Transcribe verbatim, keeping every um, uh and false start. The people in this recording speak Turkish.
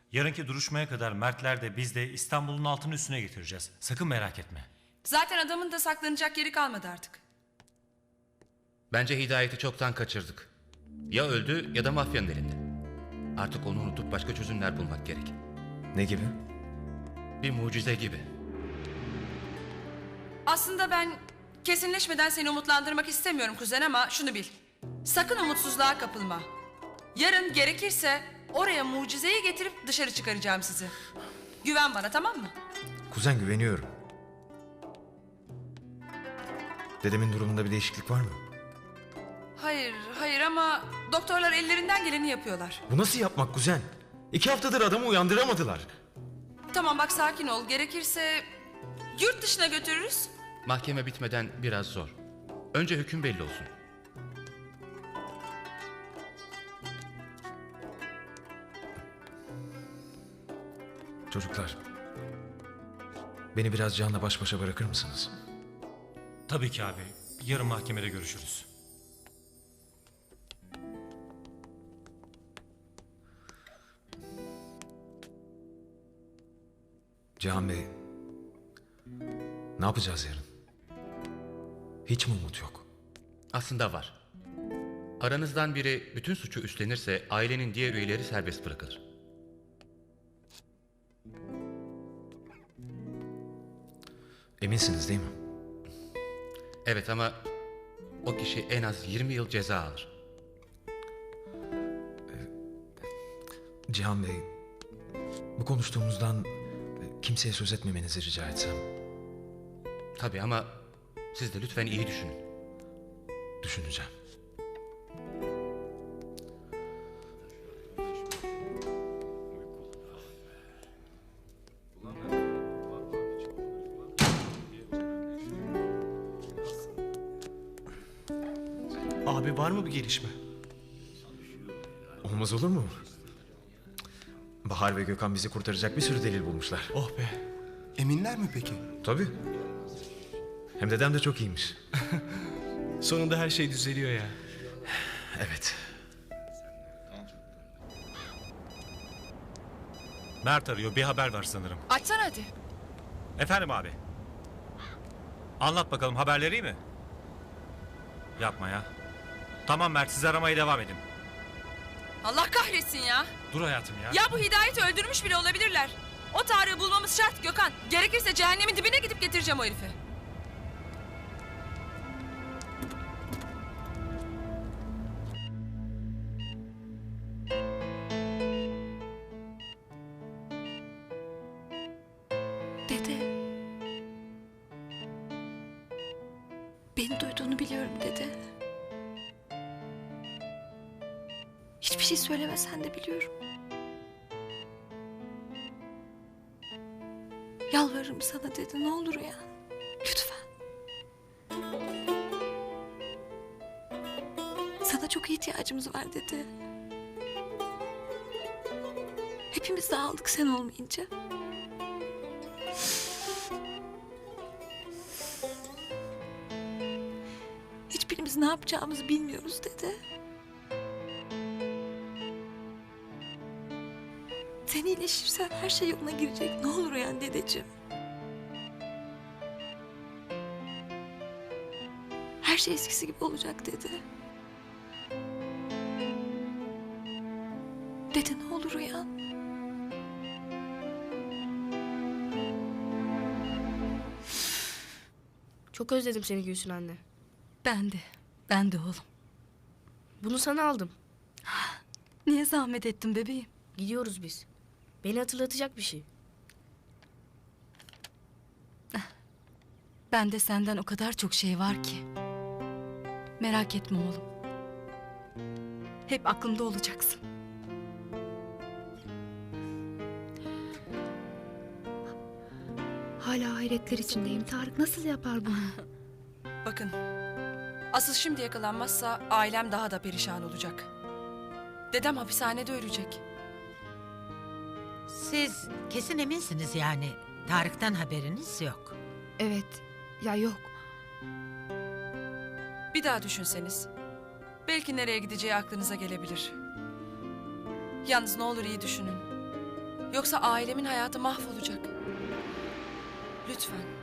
Yarınki duruşmaya kadar Mertler de biz de İstanbul'un altını üstüne getireceğiz. Sakın merak etme. Zaten adamın da saklanacak yeri kalmadı artık. Bence Hidayet'i çoktan kaçırdık. Ya öldü ya da mafyanın elinde. Artık onu unutup başka çözümler bulmak gerek. Ne gibi? Bir mucize gibi. Aslında ben kesinleşmeden seni umutlandırmak istemiyorum kuzen ama şunu bil. Sakın umutsuzluğa kapılma. Yarın gerekirse oraya mucizeyi getirip dışarı çıkaracağım sizi. Güven bana, tamam mı? Kuzen, güveniyorum. Dedemin durumunda bir değişiklik var mı? Hayır, hayır ama doktorlar ellerinden geleni yapıyorlar. Bu nasıl yapmak kuzen? İki haftadır adamı uyandıramadılar. Tamam bak, sakin ol. Gerekirse yurt dışına götürürüz. Mahkeme bitmeden biraz zor. Önce hüküm belli olsun. Çocuklar, beni biraz Cihan'la baş başa bırakır mısınız? Tabii ki abi. Yarın mahkemede görüşürüz. Cihan Bey, ne yapacağız yarın? Hiç mi umut yok? Aslında var. Aranızdan biri bütün suçu üstlenirse ailenin diğer üyeleri serbest bırakılır. Eminsiniz değil mi? Evet ama o kişi en az yirmi yıl ceza alır. Cihan Bey, bu konuştuğumuzdan kimseye söz etmemenizi rica etsem. Tabii ama siz de lütfen iyi düşünün. Düşüneceğim. Abi var mı bir gelişme? Olmaz olur mu? Bahar ve Gökhan bizi kurtaracak bir sürü delil bulmuşlar. Oh be. Eminler mi peki? Tabii. Hem dedem de çok iyiymiş. Sonunda her şey düzeliyor ya. Evet. Mert arıyor. Bir haber var sanırım. Açsana hadi. Efendim abi. Anlat bakalım, haberleri iyi mi? Yapma ya. Tamam Mert, siz aramaya devam edin. Allah kahretsin ya. Dur hayatım ya. Ya bu Hidayet'i öldürmüş bile olabilirler. O Tarık'ı bulmamız şart Gökhan. Gerekirse cehennemin dibine gidip getireceğim o herifi. Dede. Beni duyduğunu biliyorum dede. Hiçbir şey söylemesen de biliyorum. Yalvarırım sana dede, ne olur ya. Lütfen. Sana çok ihtiyacımız var dede. Hepimiz dağıldık sen olmayınca. Hiçbirimiz ne yapacağımızı bilmiyoruz dede. Sen iyileşirsen her şey yoluna girecek. Ne olur uyan dedeciğim. Her şey eskisi gibi olacak dede. Dede ne olur uyan. Çok özledim seni Gülsün anne. Ben de. Ben de oğlum. Bunu sana aldım. Niye zahmet ettin bebeğim? Gidiyoruz biz. Beni hatırlatacak bir şey. Bende senden o kadar çok şey var ki. Merak etme oğlum. Hep aklımda olacaksın. Hala hayretler içindeyim. Tarık nasıl yapar bunu? Bakın. Asıl şimdi yakalanmazsa ailem daha da perişan olacak. Dedem hapishanede ölecek. Siz kesin eminsiniz yani. Tarık'tan haberiniz yok. Evet. Ya yok. Bir daha düşünseniz. Belki nereye gideceği aklınıza gelebilir. Yalnız ne olur iyi düşünün. Yoksa ailemin hayatı mahvolacak. Lütfen.